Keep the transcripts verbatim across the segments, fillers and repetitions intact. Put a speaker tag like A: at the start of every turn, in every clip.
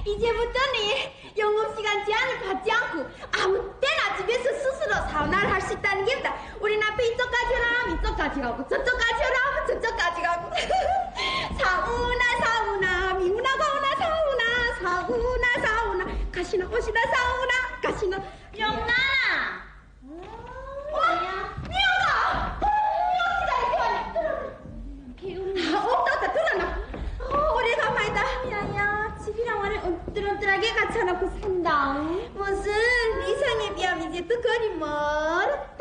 A: 이제부터는 영업시간 제한을 받지 않고 아무 때나 집에서 스스로 사우나를 할 수 있다는 겁니다. 우리 남편 이쪽까지 오라면 이쪽까지 가고 저쪽까지 오라면 저쪽까지 가고 사우나 사우나 미우나 가오나 사우나 사우나 사우나 가시나 오시나 사우나 가시나
B: 영란아.
A: 어? 미우가! 미우가! 없다 들어나. 어, 오래간만이다.
B: 야야, 집이랑 와를 언뜰언뜰하게 갖춰놓고 산다.
A: 무슨 이성에 비하면 이제 또 거리 멀었다.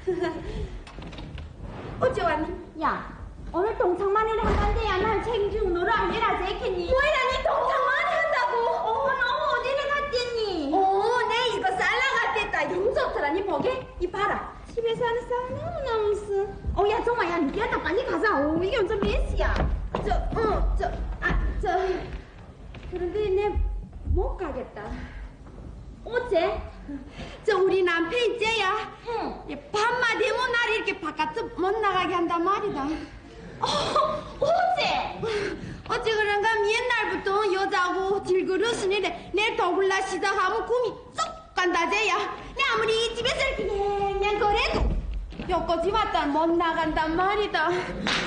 A: 어째 왔니?
B: 야, 오늘 동창만회를 한다는데야 날 책임지고 너를 안 내라지 했겠니?
A: 뭐야 니 동창만회 한다고?
B: 어, 너 어디를 갔겠니?
A: 어, 내 이거 쌀라갔댔다. 너무 좋더라. 니 보게? 이 봐라.
B: 집에서 하는 쌀 너무너무 쓰. 어, 야, 정말, 야, 니한테 빨리 가자. 어, 이게 완전 메시야.
A: 저, 어, 저, 아, 저. 그런데 내 못 가겠다.
B: 어째?
A: 저 우리 남편 있제야.
B: 응.
A: 밤만 되면 날 이렇게 바깥 못 나가게 한단 말이다.
B: 어, 어째?
A: 어찌 그런가 옛날부터 여자고 질그릇으니래 내 더굴라 시작하면 꿈이 쏙 간다제야. 내 아무리 이 집에서 이렇게 냥냥 거래도 여기까지 왔다 못 나간단 말이다.
B: 야,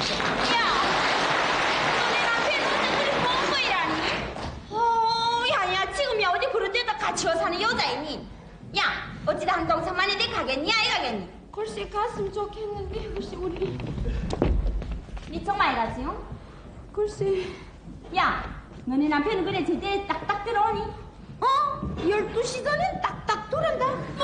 B: 너네 남편이 혼자 그리 뻔뻔이라니? 어, 야야, 지금이야 어디 그런 데다 같이 와 사는 여자이니? 야, 어찌다 한 동창만에 내 가겠니? 아이 가겠니?
A: 글쎄 갔으면 좋겠는데 글쎄 우리
B: 니 정말 가지, 응?
A: 글쎄
B: 야, 너네 남편은 그래 제때 딱딱 들어오니?
A: 어? 열두 시 전엔 딱딱 돌아온다.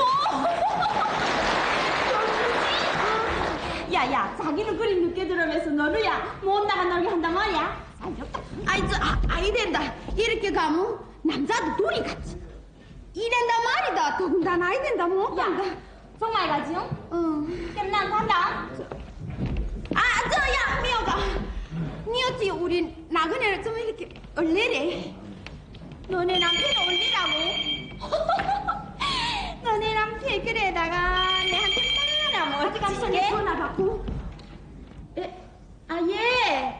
B: 야야, 자기는 그리 늦게 들어오면서 너를 야 못 나간다고 한단 말이야? 살렵다.
A: 아이 저 아, 아이 된다. 이렇게 가면 남자도 둘이 같이 이랜단 말이다. 더군다나 아이 된다 못 간다.
B: 야, 정말 가지, 응?
A: 응.
B: 그럼 난 간다.
A: 아, 저, 야, 미호가. 니 어찌 우리 나그네를 좀 이렇게 얼레래?
B: 너네 남편 올리라고? 너네 남편 그래다가 내한테 말하면 어디
A: 지성에 전화 받고. 에, 아, 예.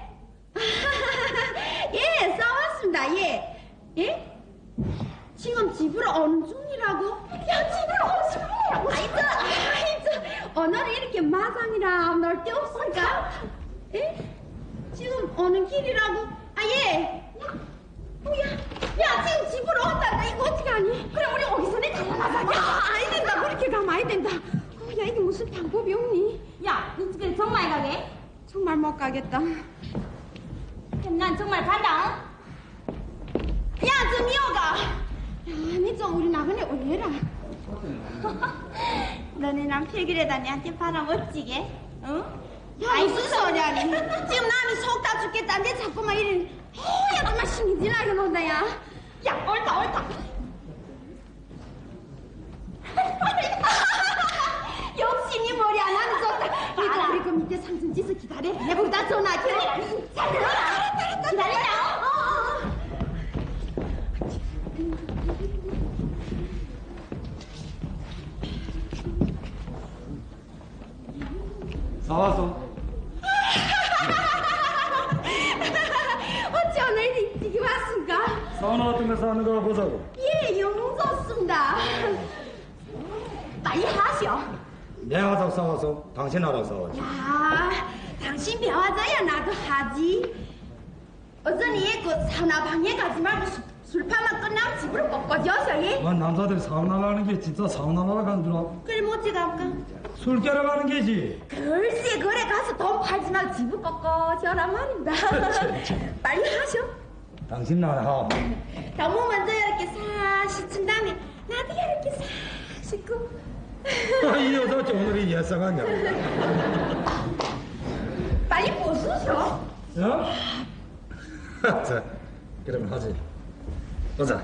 A: 예, 싸웠습니다, 예. 예? 지금 집으로 오는 중이라고? 야, 집으로 오는 중이라고? 아이, 저, 아이, 저, 오늘은 이렇게 마상이라 놀 데 없을까? 예? 지금 오는 길이라고? 아, 예. 뭐야? 야, 지금 집으로 온다. 나 이거 어떻게 하니?
B: 그럼 우리 오기 전에 달려나가자.
A: 야, 아이 된다. 그렇게 가면 아이 된다. 어, 야, 이게 무슨 방법이 없니?
B: 야, 너 집에 정말 가게?
A: 정말 못 가겠다.
B: 그럼 난 정말 간다.
A: 야, 저 미호가. 야, 니 좀 우리 나그네 올려라.
B: 너네 남편 그래다 내한테 바라 멋지게, 응?
A: 야, 무슨 소리야, 니. 지금 남이 속 다 죽겠다는데 자꾸만 이래. 어, 야, 정말 신이 나게 논다, 야.
B: 야, 옳다, 옳다.
A: 역시 니 머리 하나는 좋다. 얘들아, 우리 그 밑에 상승지서 기다려. 내보다 전화기.
B: 잘 들어라. 기다리자.
A: 어, 어, 어.
C: 사왔어.
A: 어찌 오늘 일찍 왔습니까?
C: 사우나 같은 데서 하는 거 보자고.
A: 예, 영 좋습니다. 빨리 하셔.
C: 내가 하자고 사와서 당신 하라고 사왔지.
A: 야, 당신 배워줘야 나도 하지. 어전이 그 사우나 방에 가지 말고 술, 술판만 끝나면 집으로 꺾어져서 예?
C: 아, 남자들이 사우나 가는 게 진짜 사우나 가러 가는 줄 알아?
A: 그래 뭐지 갈까?
C: 술 깨러 가는 게지.
A: 글쎄 그래 가서 돈 팔지 말고 집을 꺾어져라 말입니다. 빨리 하셔.
C: 당신 나라 하.
A: 너무 먼저 이렇게 싹 씻은 다음에 나도 이렇게 싹 씻고.
C: 아, 이 여자 어째 오늘이 예상하냐?
A: 빨리 벗으셔.
C: 야? 자, 그러면 하지. 보자.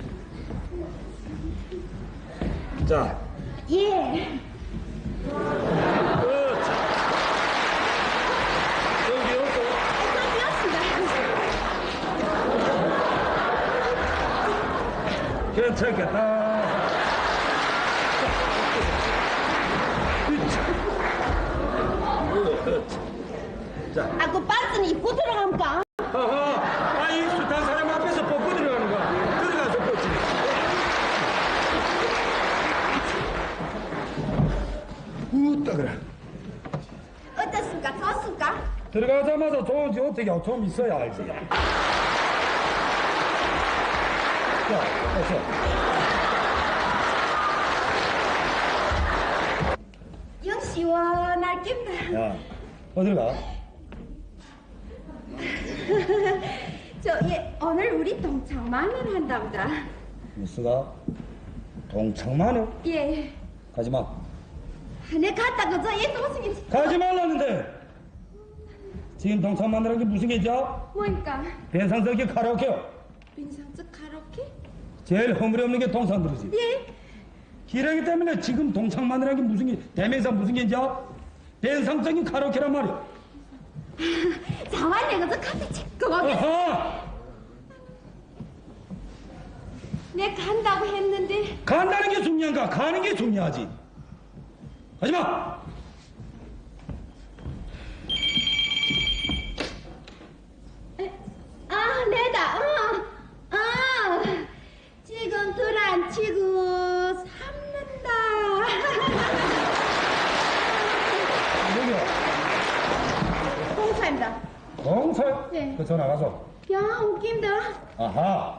C: 자.
A: 예.
C: 그렇지. 여기 없어. 괜찮겠다. 자.
A: 아, 그 반스는 입고 들어갑니까?
C: 허허. 아, 이 숱한 사람 앞에서 벗고 들어가는 거야. 들어가서
D: 나오자마자 좋은지 어떻게 좀 있어야 알지. 자, 됐어.
A: 영 시원할 낀다.
D: 야, 어딜 가?
A: 저, 예, 오늘 우리 동창만을 한답니다.
D: 무스가? 동창만을?
A: 예.
D: 가지마.
A: 내 갔다가 저, 예, 또 무슨 게,
D: 가지 말라는데! 지금 동창만이라는 게 무슨 게죠?
A: 뭐니까?
D: 변상석이 카라오케요.
A: 빈상적 가로케?
D: 제일 허물이 없는 게 동창들이지.
A: 예.
D: 기러기 때문에 지금 동창만이라는 게 무슨 게, 대명사 무슨 게죠? 변상적인 카라오케란 말이야.
A: 자완 내가 저 카페 체크 하게.
D: 어허!
A: 내 간다고 했는데.
D: 간다는 게 중요한가? 가는 게 중요하지. 가지마!
A: 아, 내다. 어. 아, 지금 둘 안 치고 삼는다.
D: 여기요.
A: 공사입니다.
D: 동서?
A: 네.
D: 그 전화 가서.
A: 야, 웃긴다.
D: 아하.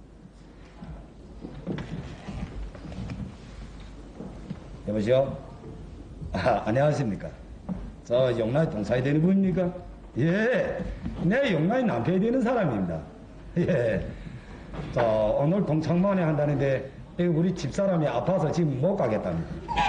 D: 여보세요? 아, 안녕하십니까? 저 영라의 동사이 되는 분입니까? 예. 내 영라의 남편이 되는 사람입니다. 예. 자, 오늘 동창만에 한다는데 우리 집사람이 아파서 지금 못 가겠답니다.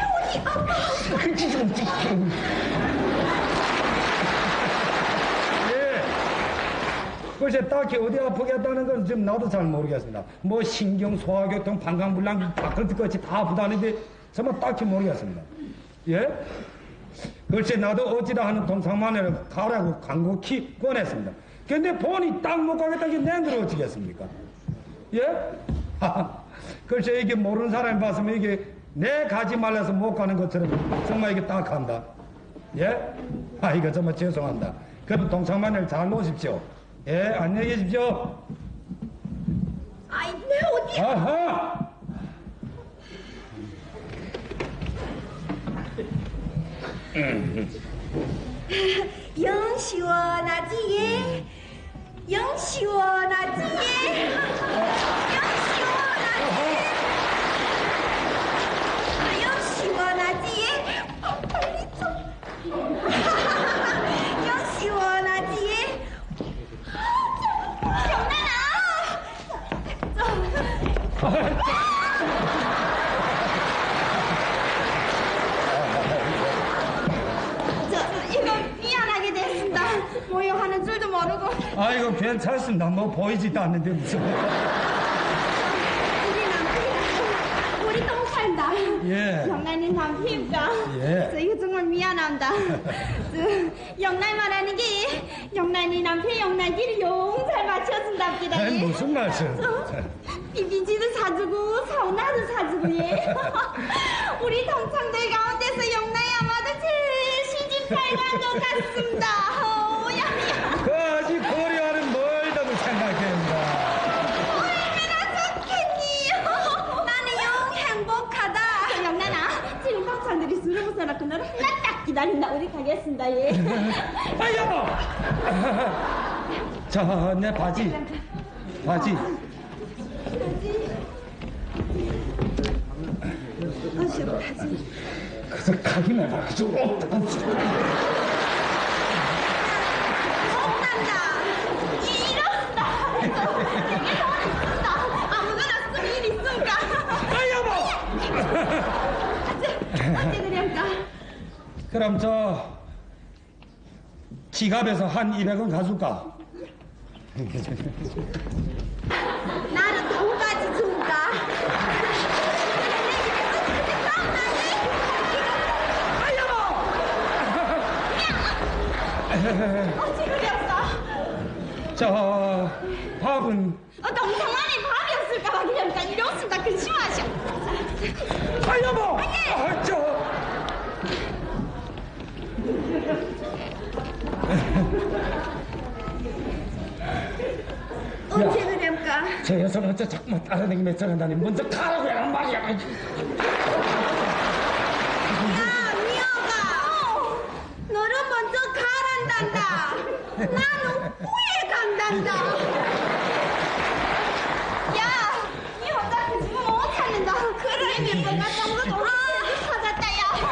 D: 예. 글쎄 딱히 어디 아프겠다는 건 지금 나도 잘 모르겠습니다. 뭐 신경, 소화교통, 방광불량, 바클트까지 다 아프다는데 정말 딱히 모르겠습니다. 예? 글쎄 나도 어찌다 하는 동창만을 가라고 간곡히 권했습니다. 근데 본이 딱 못 가겠다는 게 내들어 어찌겠습니까? 예? 글쎄 이게 모르는 사람이 봤으면 이게 내 가지 말라서 못 가는 것처럼 정말 이게 딱 한다. 예? 아 이거 정말 죄송합니다. 그럼 동창만을 잘 놓으십시오. 예, 안녕히 계십시오.
A: 아이, 내 어디.
D: 아하!
A: 영 시원하지, 예? 영 시원하지, 예? 영 시원하지, 예? 영 시원하지, 예? 어, 빨리 좀. 영 시원하지, 예? 저, 이거 미안하게 됐습니다. 모욕하는 줄도 모르고.
D: 아이고 괜찮습니다. 뭐 보이지도 않는데 무슨.
A: 우리 남편이랑 우리 동생다.
D: 예.
A: 영란이 남편입니다.
D: 예.
A: 저 이거 정말 미안합니다. 저, 영란 말하는 게 영란이 남편 영란이를 용잘 맞춰준답니다.
D: 아니,
A: 예.
D: 무슨 말씀?
A: 비비지도 사주고 사우나도 사주고 예. 우리 동창들 가운데서 영란이 아마도 제일 시집잘 간 것 같습니다. 어, 야야.
D: 그 아직 고려하는 멀다고 생각됩니다.
A: 얼마나 좋겠니? 나는 영 행복하다. 영란아, 지금 동창들이 술을 먹어라 그날을 하나 딱 기다린다. 우리 가겠습니다. 예.
D: 아 여보. 자, 내 바지. 바지.
A: 어시 바지.
D: 그래서 가기만 바지.
A: 혼난다. 이 이런다. 되게 더웠다. 아무거나 쓰면 일 있으니까.
D: 아 여보.
A: 어째 그랬까?
D: 그럼 저 지갑에서 한 이백 원 가줄까?
A: 나는 돈까지 준다. 어찌 그랬어?
D: 저 밥은
A: 어, 동상 안에 밥이 없을까봐 그냥 딱 이렇습니다. 근심하셔.
D: 아 여보. 아, 저
A: 어찌 그랬까?
D: 저 여성은 어째 자꾸만 따라다니며 저런다니 먼저 가라고 하란 말이야.
A: 야, 미호가. 너는 먼저 가란다. 간다. 나는 후에 간단다.
B: 야, 니 혼자 그 집은 못 찾는다. 그래, 몇번 갔다 온 것도 우리 찾았다, 야.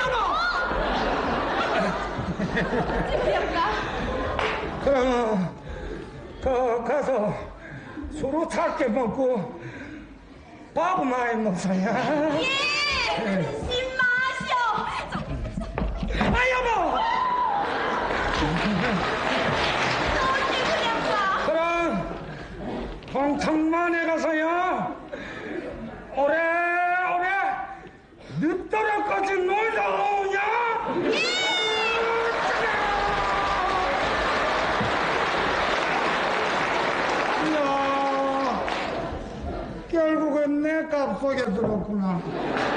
B: 아이고, 집이었까?
D: 그럼 그 가서 술을 작게 먹고 밥 많이 먹어야.
B: 예, 신 마셔.
D: 아 여보.
B: 어디 그랬까?
D: 그럼 동창만에 가서요 오래오래 늦도록까지 놀다 오냐? 이야, 결국은 내 값속에 들었구나.